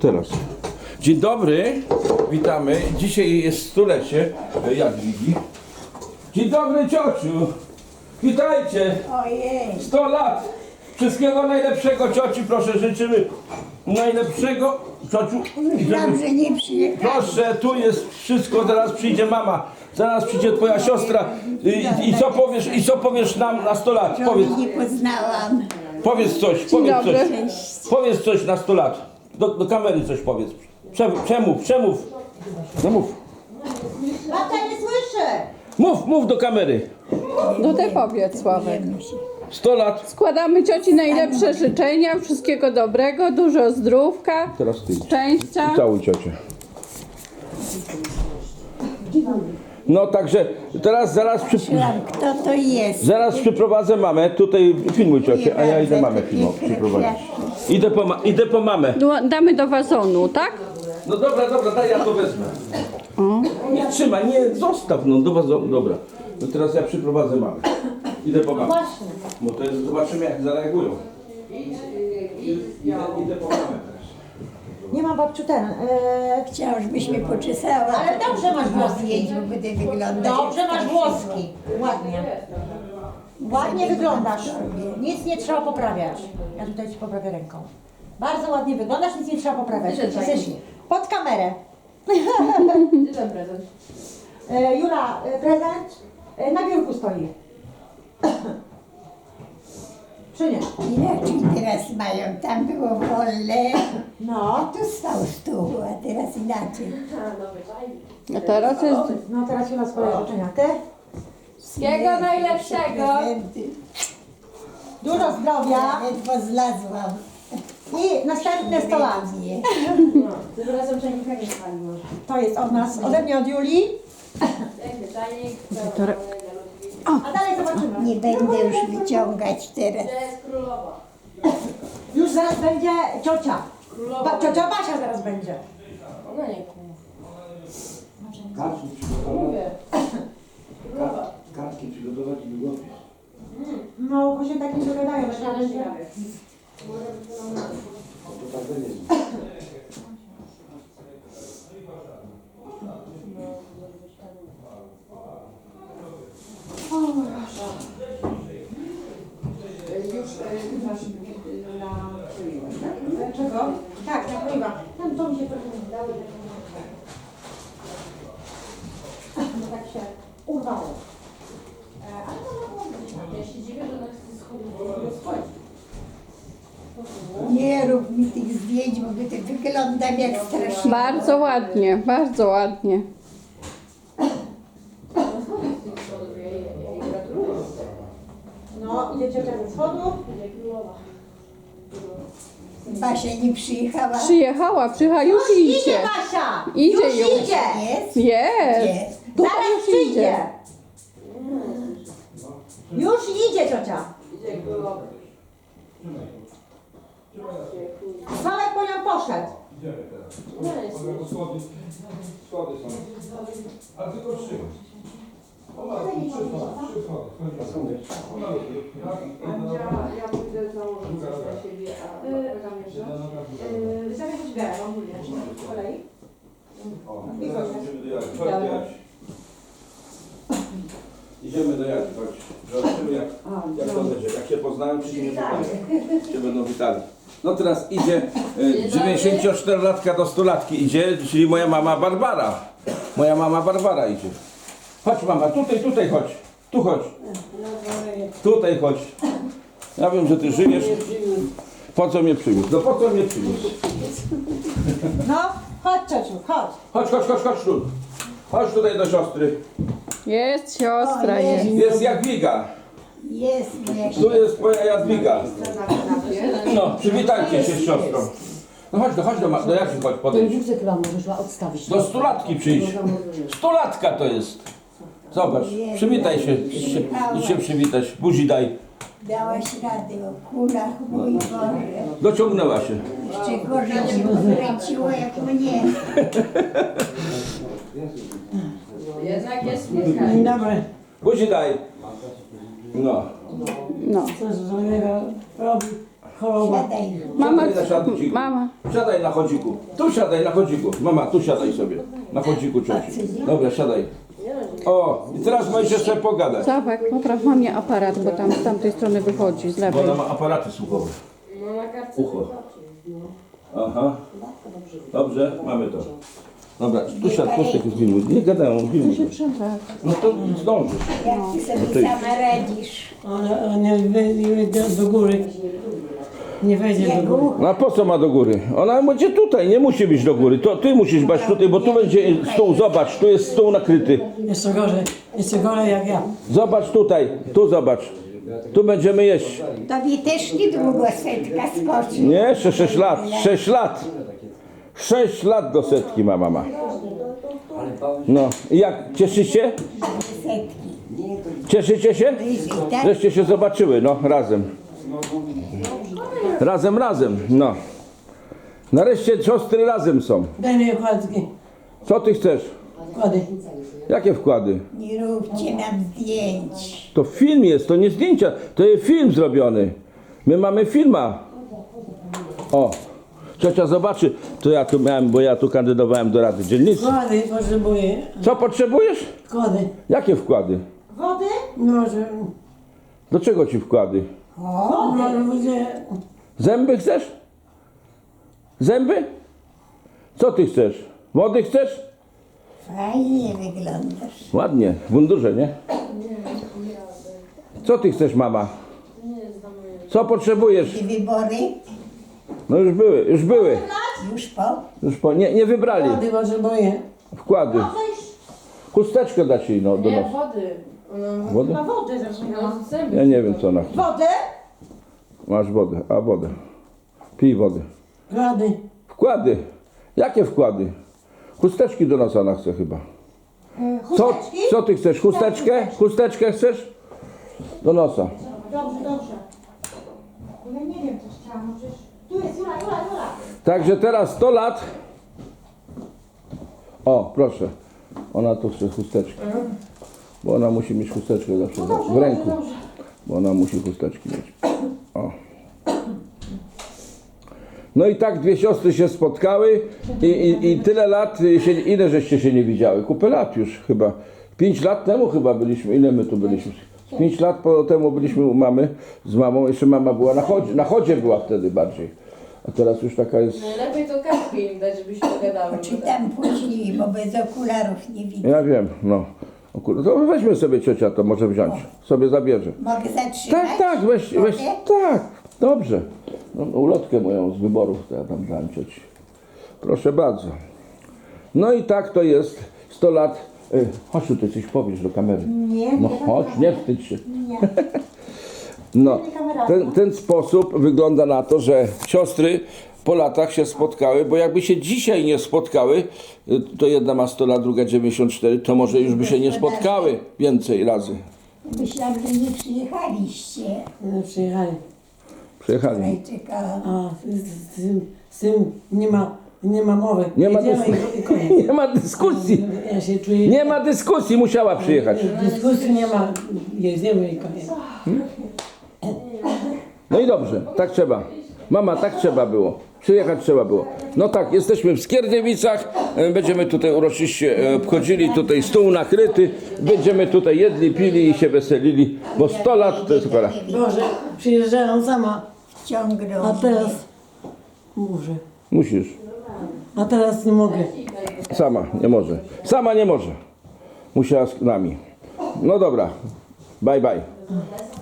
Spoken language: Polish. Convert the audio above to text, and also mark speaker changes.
Speaker 1: Teraz. Dzień dobry, witamy. Dzisiaj jest stulecie Jadwigi. Dzień dobry, ciociu. Witajcie.
Speaker 2: Ojej.
Speaker 1: 100 lat. Wszystkiego najlepszego, cioci, proszę, życzymy najlepszego. Ciociu,
Speaker 2: Myślałam, że nie przyjechał.
Speaker 1: proszę, tu jest wszystko, zaraz przyjdzie mama, zaraz przyjdzie twoja siostra. I co powiesz nam na 100 lat? Powiedz,
Speaker 2: Nie poznałam.
Speaker 1: powiedz coś, powiedz coś na 100 lat. Do kamery coś powiedz. Przemów. No mów.
Speaker 3: Babcia nie słyszę!
Speaker 1: Mów do kamery.
Speaker 4: No ty powiedz, Sławek.
Speaker 1: 100 lat.
Speaker 4: Składamy cioci najlepsze życzenia, wszystkiego dobrego, dużo zdrówka,
Speaker 1: Teraz ty.
Speaker 4: szczęścia.
Speaker 1: Całuj ciocię. No także teraz
Speaker 2: Kto to jest?
Speaker 1: zaraz przyprowadzę mamę. Tutaj filmuj ciocię, a ja idę mamę przyprowadzić. Idę po mamę.
Speaker 4: Damy do wazonu, tak?
Speaker 1: No dobra, daj ja to wezmę. Nie trzymaj, nie zostaw, no do was, dobra. No teraz ja przyprowadzę mamę. Idę po mamę.
Speaker 3: Właśnie.
Speaker 1: Bo to jest, zobaczymy jak zareagują. Idę po mamę teraz.
Speaker 3: Nie mam babciu ten.
Speaker 2: Chciałam, żebyś mnie poczesała.
Speaker 3: Ale dobrze masz włoski.
Speaker 2: Zdjęć, bo będę wyglądać.
Speaker 3: Dobrze
Speaker 2: jak
Speaker 3: masz
Speaker 2: strasznie.
Speaker 3: włoski. Ładnie. Ładnie wyglądasz. Nic nie trzeba poprawiać. Ja tutaj ci poprawię ręką. Bardzo ładnie wyglądasz, nic nie trzeba poprawiać. Jesteś pod kamerę. Jula, prezent na biurku stoi. Czy nie?
Speaker 2: Inaczej teraz mają. Tam było wolne.
Speaker 3: No.
Speaker 2: A tu stał stół, a teraz inaczej.
Speaker 4: A teraz jest...
Speaker 3: No teraz Jula swoje życzenia. Ty?
Speaker 4: Wszystkiego najlepszego.
Speaker 2: Prezenty.
Speaker 3: Dużo zdrowia
Speaker 2: Ledwo zlazłam.
Speaker 3: i następne 100 lat.
Speaker 2: Nie.
Speaker 5: Tym razem czajnika nie spaliło.
Speaker 3: To jest od nas, ode mnie, od Julii.
Speaker 5: Piękny czajnik.
Speaker 3: A dalej zobaczymy.
Speaker 2: Nie będę już wyciągać teraz.
Speaker 5: To jest królowa.
Speaker 3: Już zaraz będzie ciocia. Ciocia Basia zaraz będzie.
Speaker 5: Ona nie kół.
Speaker 1: Kartki przygotować.
Speaker 5: Mówię. Królowa.
Speaker 1: Kartki przygotować i długopis.
Speaker 3: No, bo się tak nie dogadają.
Speaker 5: Ale ciekawie.
Speaker 1: To tak będzie.
Speaker 3: Czego? Tak, nakrywa. Tam to mi się trochę nie dało. No tak się urwało. Ale to mogło być.
Speaker 5: Ja się dziwię, że ona chce schodzić.
Speaker 2: Nie rób mi tych zdjęć, bo wyglądam jak strasznie.
Speaker 4: Bardzo ładnie, bardzo ładnie.
Speaker 3: No, idzie ciocia ze schodu.
Speaker 2: Basia nie przyjechała.
Speaker 4: Przyjechała, już
Speaker 3: Idzie
Speaker 4: idzie.
Speaker 3: Basia!
Speaker 4: Idzie
Speaker 3: już
Speaker 4: już.
Speaker 3: idzie!
Speaker 2: Jest?
Speaker 4: Jest.
Speaker 2: Jest.
Speaker 4: Tutaj
Speaker 3: Zaraz
Speaker 4: już
Speaker 3: przyjdzie!
Speaker 4: idzie.
Speaker 3: Już idzie ciocia! Sławek po nią poszedł.
Speaker 1: Schody są. A tylko 3.
Speaker 5: Ja pójdę założyć coś dla siebie, a zamierzam. Zamierzam zbierać, mam mówię. Po kolei?
Speaker 1: Idziemy do Jadzi, chodź. Zobaczymy jak to będzie. Jak się poznają, czy się nie poznają. Czy będą witali. No teraz idzie 94-latka do 100-latki idzie, czyli moja mama Barbara. Moja mama Barbara idzie. Chodź mama, tutaj chodź. Tu chodź. Tutaj chodź. Ja wiem, że ty żyjesz. Po co mnie przywiózł? No po co mnie przywiózł?
Speaker 3: No, chodź ciociu, chodź.
Speaker 1: Chodź tu. Chodź tutaj do siostry.
Speaker 4: Jest siostra, jest.
Speaker 1: Jest Jadwiga.
Speaker 2: Jest, nie.
Speaker 1: Tu jest twoja Jadwiga. No, przywitajcie się z siostrą. No chodź do Jadzi, chodź podejdź.
Speaker 5: Wózek chyba możesz odstawić.
Speaker 1: Do 100-latki przyjdź. 100-latka to jest. Zobacz, przywitaj się. Idź się przywitać. Buzi daj.
Speaker 2: Dałaś radę o kulach, mój Boże.
Speaker 1: Dociągnęła się.
Speaker 2: Jeszcze gorzej cię pokręciło jak mnie.
Speaker 5: Jednak jest
Speaker 3: Dzień dobry.
Speaker 1: Buzi daj. No.
Speaker 4: No.
Speaker 3: Co z złego robi? choroba.
Speaker 2: Siadaj.
Speaker 4: Mama,
Speaker 1: Siadaj na chodniku.
Speaker 4: mama.
Speaker 1: Siadaj na chodziku. Tu siadaj na chodziku. Mama, tu siadaj sobie. Na chodziku cioci. Dobra, siadaj. O, i teraz możesz jeszcze pogadać.
Speaker 4: Sławek, popraw mamie aparat, bo tam z tamtej strony wychodzi, z
Speaker 1: Bo
Speaker 4: lewej.
Speaker 1: ona ma aparaty słuchowe. Ucho. Aha. Dobrze, mamy to. Dobra, tu siadł, Kostek jest filmu. Nie gadają, filmu. No to zdążysz.
Speaker 2: Jak ty sobie sama radzisz?
Speaker 3: Ona nie wejdzie do góry. Nie wejdzie do góry.
Speaker 2: Jego
Speaker 1: No a po co ma do góry? Ona będzie tutaj, nie musi być do góry. To ty musisz być tutaj, bo tu będzie stół, zobacz, tu jest stół nakryty.
Speaker 3: Jeszcze gorzej jak ja.
Speaker 1: Zobacz tutaj, tu zobacz. Tu będziemy jeść.
Speaker 2: tobie też niedługo setka skoczy.
Speaker 1: Nie, jeszcze 6 lat. 6 lat. 6 lat do setki ma mama. No i jak? Cieszycie?
Speaker 2: Setki.
Speaker 1: Cieszycie się?
Speaker 2: Tak?
Speaker 1: Żeście się zobaczyły, no razem. Razem, no. Nareszcie siostry razem są.
Speaker 3: Daj mi okładki.
Speaker 1: Co ty chcesz?
Speaker 3: Wkłady.
Speaker 1: Jakie wkłady?
Speaker 2: Nie róbcie nam zdjęć.
Speaker 1: To film jest, to nie zdjęcia, to jest film zrobiony. My mamy filma. O, ciocia zobaczy, to ja tu miałem, bo ja tu kandydowałem do Rady Dzielnicy.
Speaker 3: Wkłady potrzebuję.
Speaker 1: Co potrzebujesz?
Speaker 3: Wkłady.
Speaker 1: Jakie wkłady?
Speaker 3: Wody? No, że...
Speaker 1: Do czego ci wkłady?
Speaker 3: O, no, będzie...
Speaker 1: Zęby chcesz? Zęby? Co ty chcesz? Wody chcesz?
Speaker 2: Fajnie wyglądasz.
Speaker 1: Ładnie, w mundurze, nie? Co ty chcesz, mama? Co potrzebujesz?
Speaker 2: I wybory
Speaker 1: No już były.
Speaker 2: już po.
Speaker 1: Nie wybrali.
Speaker 3: Wkłady potrzebuję.
Speaker 1: Wkłady. Chusteczkę dać jej no, do
Speaker 5: Nie,
Speaker 1: nosa.
Speaker 5: wody.
Speaker 1: Wodę?
Speaker 3: Na wodę zaczynam.
Speaker 1: Ja nie wiem co ona chce.
Speaker 3: Wodę?
Speaker 1: Masz wodę, a wodę. Pij wodę.
Speaker 3: Wkłady.
Speaker 1: Wkłady. Jakie wkłady? Chusteczki do nosa ona chce chyba. Co ty chcesz? Chusteczkę? Chusteczkę chcesz? Do nosa.
Speaker 3: Dobrze. Bo ja nie wiem, co chciałam. No przecież... Tu jest Jula.
Speaker 1: Także teraz 100 lat. O, proszę. Ona tu chce chusteczkę. Bo ona musi mieć chusteczkę zawsze w ręku. Bo ona musi chusteczki mieć. O. No i tak dwie siostry się spotkały i tyle lat, ile żeście się nie widziały? Kupę lat już chyba. 5 lat temu chyba byliśmy. Ile my tu byliśmy? 5 lat temu byliśmy u mamy z mamą. Jeszcze mama była na chodzie była wtedy bardziej. A teraz już taka jest.
Speaker 5: Najlepiej to kartki im dać, żebyście pogadały.
Speaker 2: Czytam później, bo bez okularów nie widzę.
Speaker 1: Ja wiem, no. O kurde, to weźmy sobie ciocia, to może wziąć. Sobie zabierze.
Speaker 2: Mogę zatrzymać?
Speaker 1: Tak, weź,
Speaker 2: Mogę?
Speaker 1: tak, dobrze. No, ulotkę moją z wyborów to ja tam dałem cioci. Proszę bardzo. No i tak to jest 100 lat. Chodź tu, ty coś powiesz do kamery.
Speaker 3: Nie.
Speaker 1: No chodź, nie wstydź się. No, ten sposób wygląda na to, że siostry po latach się spotkały, bo jakby się dzisiaj nie spotkały, to jedna ma 100 lat, druga 94, to może już by się nie spotkały więcej razy.
Speaker 2: Myślałam, że nie przyjechaliście.
Speaker 3: No, przyjechali.
Speaker 1: Przyjechali.
Speaker 2: Tutaj czekałam.
Speaker 3: A z tym nie ma mowy.
Speaker 1: Nie ma
Speaker 3: Jedziemy
Speaker 1: dyskusji.
Speaker 3: i koniec.
Speaker 1: Nie ma dyskusji.
Speaker 3: Ja się czuję...
Speaker 1: Nie ma dyskusji, musiała przyjechać.
Speaker 3: Dyskusji nie ma. Jedziemy i koniec.
Speaker 1: No i dobrze, tak trzeba. Mama, tak trzeba było. Przyjechać trzeba było. No tak, jesteśmy w Skierniewicach. Będziemy tutaj uroczyście obchodzili, tutaj stół nakryty. Będziemy tutaj jedli, pili i się weselili, bo 100 lat to jest pora.
Speaker 3: Boże, przyjeżdżają sama,
Speaker 2: Wciągnął
Speaker 3: a
Speaker 2: mnie.
Speaker 3: teraz... Muszę.
Speaker 1: Musisz.
Speaker 3: A teraz nie mogę.
Speaker 1: Sama nie może. Sama nie może. Musiała z nami. No dobra. Bye bye.